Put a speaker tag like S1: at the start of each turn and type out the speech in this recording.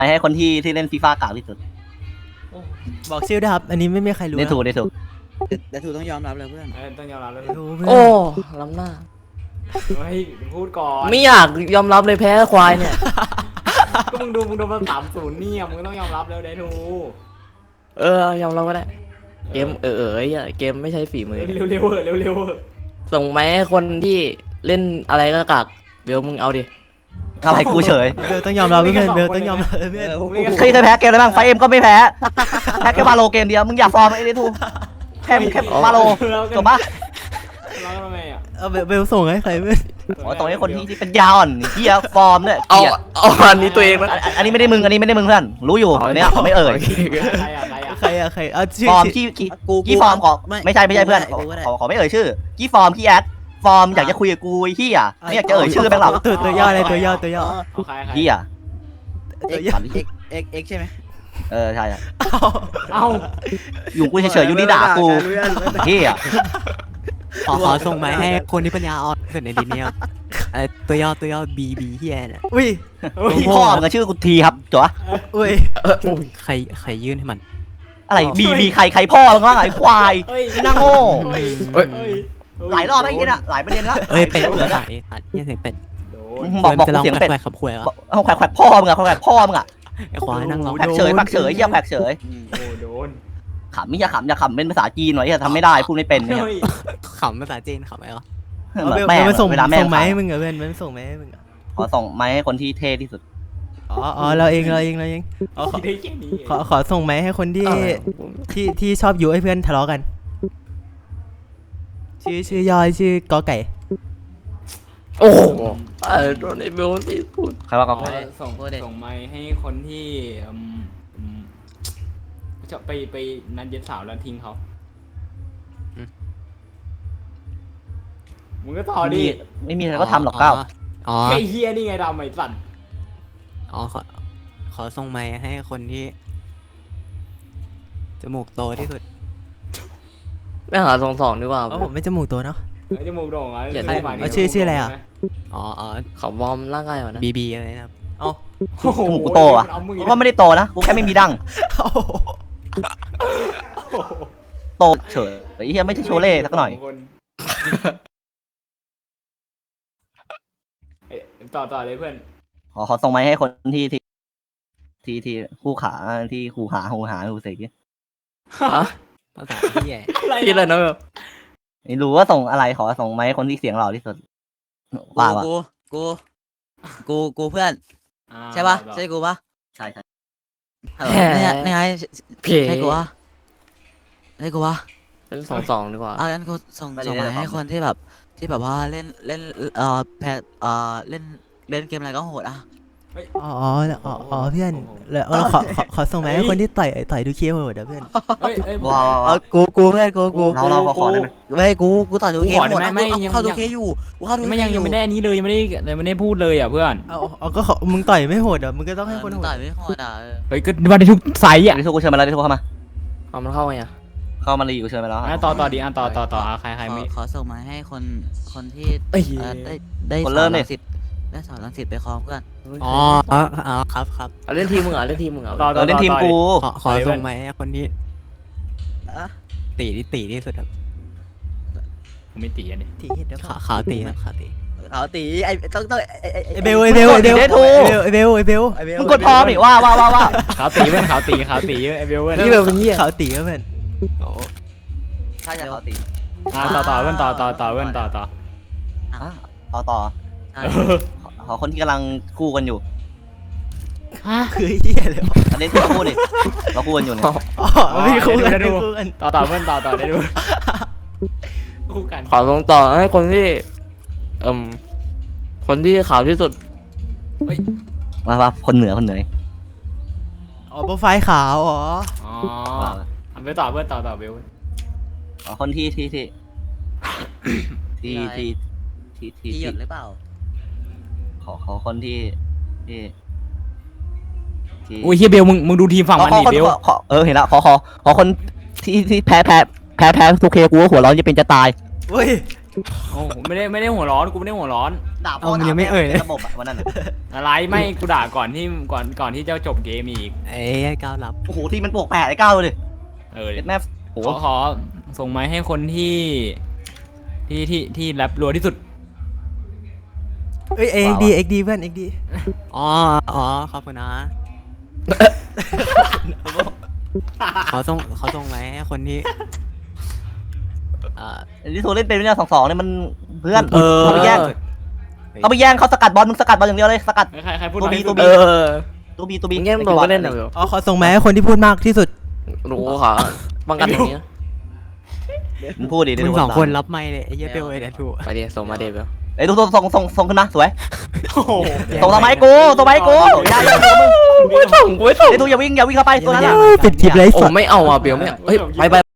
S1: ให้คนที่เล่นฟีฟ่ากากที่สุด
S2: บอกชื่อด้วยครับอันนี้ไม่มีใครรู้
S1: ได้ถูกได้ถูก
S3: แต่ถูกต้องยอมรับเลยเพื่อน
S4: ต้องยอมรับเลย
S2: รู้เพื่อน
S5: โอ้ล้ำหน้า
S4: เฮ้ยพูดก่อน
S5: ไม่อยากยอมรับเลยแพ้ควายเนี่ย
S4: ก็มึงดูมา3-0เนี่ยมึงก็ต้องยอมรับแล้วได้ทู
S5: ยอมรับก็ได้เกมเกมไม่ใช่ฝีมือ
S4: เร็วเร็วเร็วเร็ว
S5: ส่งไหมให้คนที่เล่นอะไรก็กากเดี๋ยวมึงเอาดิ
S1: อะไรกูเฉย
S2: เบลต้องยอมรับเพื่อนเบลต้องยอมรับเพื่อน
S1: เคยแพ้เกมอะไรบ้างไฟเอ็มก็ไม่แพ้แพ้แค่วาโลเกมเดียวมึงอย่าฟอร์มไอ้ได้ถูกแค่วาโลจบปะ
S4: แล้วทำไมอ่ะ
S2: เอาเบลส่งให้ใครเพื่อน
S1: โอ้ตรงนี้คนที่เป็นยาวอ่อนเฮียฟอร์มเนี่ย
S5: เอา
S1: เกีย
S5: อันนี้ตัวเองนะ
S1: อันนี้ไม่ได้มึงเพื่อนรู้อยู่เนี่ยเขาไม่เอ่ย
S4: ใครอ่ะ
S2: ใครอะใครเอาชื่อ
S1: ฟอร์มกี้ฟอร์มขอไม่ใช่เพื่อนขอไม่เอ่ยชื่อกี้ฟอร์มกี้แอดฟอร์มอยากจะคุยกับกูไอ้เฮียไม่อยากจะเอ่ยชื่อแม่งหรอก
S2: ตัวย่ออะไรตัวย่อตัวย่อ
S4: ใคร
S1: เฮีย
S3: เอ็กใช่ไหม
S1: ใช่
S4: เอ้า
S1: อยู่กูเฉยๆอยู่นี่ด่ากูเฮีย
S6: ขอส่งมาให้คนที่ปัญญาอ่อนที่สุดในดินเนี่ยตัวย่อบีเฮียเนี่ย
S2: อุ้ย
S1: พ่อมึงชื่อกูทีครับจ๋ว
S2: อุ้ย
S6: ใครยื่นให้มัน
S1: อะไรบีใครพ่อมึงวะไอ้ควายนั่งโง่หลายรอบไอ้ยี่น่ะหลายประเด็นแล้ว
S6: เป็ด
S1: เหลือ
S6: ขายเฮียเสียงเป็ด
S4: โดน
S1: บอก
S6: จะลอง
S1: เสียงเป็ด
S6: แขวะขับขวยอ่ะ
S1: เอาแขวพ่อมึงอะแขวพ่อมึงอะ
S6: ไอ้ควายนั่งร้อง
S1: แขกเฉยเยี่ยมแขกเฉย
S4: โอ้โดน
S1: ขำอย่าขำเป็นภาษาจีนหน่อยอย่าทำไม่ได้พูดไม่เป็นเนี่ย
S6: ขำภาษาจีนขำไหมอ่ะ
S2: เบล
S1: แม่
S2: มันส่ง
S1: เวลาแม่
S2: ส่งไหมให้มึงเหรอเพื่อนมันส่งไหมให้มึง
S1: ขอส่งไม้ให้คนที่เท่ที่สุด
S2: อ๋อเราเอง
S4: คิดได้แค่นี้
S2: ขอส่งไหมให้คนที่ชอบยุให้เพื่อนทะเลาะกัน ชื่อย่อชื่อกอไก่
S5: โอ้โหโดนไอ้เบลที่พูด
S1: ใครว่าก็
S4: ส่งไม้ให้คนที่จะไปนัดเย็นสาวแล้วทิ้งเขามึงก็ต่อดิ
S1: ไม่มีอะไรก็ทำหรอกเก้า
S6: อ๋อ
S4: ไอ้เฮียนี่ไงดำไอ้สัตว์
S6: ขอส่งไม้ให้คนที่จมูกโตที่สุด
S5: ไม่หา2-2ดีกว่า
S2: ผมไม่จมูกโตเนาะ
S4: ไอ้จมูกโด่งอ่ะ
S2: ชื่ออะไรอ่ะ
S5: เขาวอร์มร่างกายก่อนนะ
S6: บีอะไรนะครับ
S2: เอา
S1: จมูกกูโตอ่ะกูก็ไม่ได้โตนะกูแค่ไม่มีดั้งโตเฉยไอ้เหี้ยไม่ใช่โชเล่สักหน่อย
S4: ต่อเลยเพื่อน
S1: ขอส่งไม้ให้คนที่คู่ขาที่คู่หาหูเสก
S6: ภาษาเฮีย
S5: คิดเลยนะแบบ
S1: ไม่รู้ว่าส่งอะไรขอส่งไม้ให้คนที่เสียงหล่อที่สุดว่า
S3: กูเพื่อนใช่ปะใช่กูปะ
S1: ใช่
S3: เนี่ยไง
S5: เพล
S3: ใช่กูวะใช่กูวะ
S5: เป็น2-2ดีกว่า
S3: งั้นกูส่งมาให้คนที่แบบว่าเล่นเล่นเกมอะไรก็โหดอ่ะ
S2: อ๋อเพื่อนแล้วขอส่งไหมให้คนที่ต่อยดูเคโหดเพื่อน
S1: ว้าว
S3: กูเพื่อนกู
S1: เราขอได้ไหม
S3: ไม่กูต่อยดูเคโหด
S4: ไม่
S3: เข้าดูเคอยู่กูเข้าดู
S4: ยังไม่ได้นี้เลยยังไม่ได้พูดเลยอ่ะเพื่อน
S2: เอาก็มึงต่อยไม่โหดอ่ะมึงก็ต้องให้คนโหด
S3: ต่อยไม่โหดอ่ะ
S4: เฮ้ยก็มาได้ทุกไซส์อ่ะ
S1: ดิทุกกูเชิญมาแล้วดิทุกเข้ามา
S5: เอามันเข้าไงอ่ะ
S1: เข้ามารีกูเชิญมาแล้ว
S4: ต่อดีต่อใครไม่
S3: ขอส่งมาให้คนที่
S5: เอ้ย
S3: ได้
S1: คนเริ่มเนี่ย
S3: ได้สอนรังสิตไปคลองเพื่อน
S6: อ๋อครับ
S5: เอาเล่นทีมมึงเหรอเล่นทีมมึงเหรอ
S1: เล่นทีมกู
S6: ขอส่งไม้ให้คนที่ตีที่สุดครับ
S4: ผมไม่ตีอันนี้
S2: ทีเดี๋ยว
S6: ขาวตีครับขาวตี
S3: เอาตีไอ้ต้อง
S2: เบล
S1: มึงกดพร้อมดิว่า
S4: ขาวตีเพื่อนขาวตีไอ้เบลเพื่อน
S5: นี่แบบเป็นเหี้ย
S2: เขาตีก็เพื่อน
S1: ถ้าจะขอตี
S4: ต่อเพื่อนต่อเพื่อนต่อ
S1: ต่อขอคนที่กำลังคู่กันอยู่
S2: คือเหี้ยเลย
S1: อันนี้ที่คู่ดิเราคู่กันอยู่เนี่ย
S2: อ๋อไม่คู่กัน
S4: ต่อเพื่อนต่อได้ดูคู่กัน
S5: ขอส่งต่อให้คนที่คนที่ขาวที่สุด
S1: ว่าคนเหนือ
S2: อ๋อโปรไฟล์ขาวอ๋อ
S4: ไปต่อเพื่อนต่อเบล
S1: คนที่
S3: ตีหยดหรือเปล่า
S1: ขอคนที่
S4: โอ้ยเฮียเบลมึงดูทีมฝั่งมันดิเบล
S1: เห็นแล้วขอคนที่แพ้ทุกเคกูหัวร้อนจะเป็นจะตาย
S2: เว้ย
S4: โอ้ไม่ได้หัวร้อนกูไม่ได้หัวร้อน
S1: ด่าพ่อ
S6: เอามันยังไม่เอ่ยเลย
S1: ระบบอะวันนั้นอะ
S4: อะไรไม่กูด่าก่อนที่จะจบเกมอีก
S6: ไอ้ก้าวรับ
S1: โอ้โหที่มันบวก8ไอ้ก้าวเลย
S4: เออ
S1: เด็ดแม่โอ้โห
S4: ขอส่งไม้ให้คนที่แรปรัวที่สุด
S2: เอ้ยเอ็กดีเพื่อนเอ็กดี
S6: อ๋อขอบคุณนะเขาส่งไหมให้คนที่
S1: ที่โทรเล่นเป็นเนี่ย2-2เนี่ยมันเพื่อน
S5: เออ
S1: เขาไปแย่งเขาสกัดบอลมึงสกัดบอลอย่างเดียวเลยสกัด
S4: ใครพูด
S1: ตัวบี
S4: ตัว
S5: เออ
S1: ตัวบี
S5: มึงแง่มโดนก็เล่นเหรอ
S2: อ๋อขอส่งไหมให้คนที่พูดมากที่สุด
S5: รู้ขอป้องกันอย่างนี้
S1: มึงพูดดิ
S6: มึง2 คนรับไม่เลยไอ้เหี้ยเปลวไอ้เดทู
S5: ไปดิส่งมาเดบ
S1: ไอ้ดูส่งขึ้นมาสวย
S4: โอ้โห
S1: ส่งทำไมกูส่งไปกูอย่ามึง
S5: กูไม่ส่ง
S1: ไอ้ดูอย่าวิ่งเข้าไปตัวนั้นอะ
S2: ปิดคลิปเลย
S5: โอ้
S2: สัตว์
S5: ไม่เอาอ่ะเบลไม่เฮ้ยไป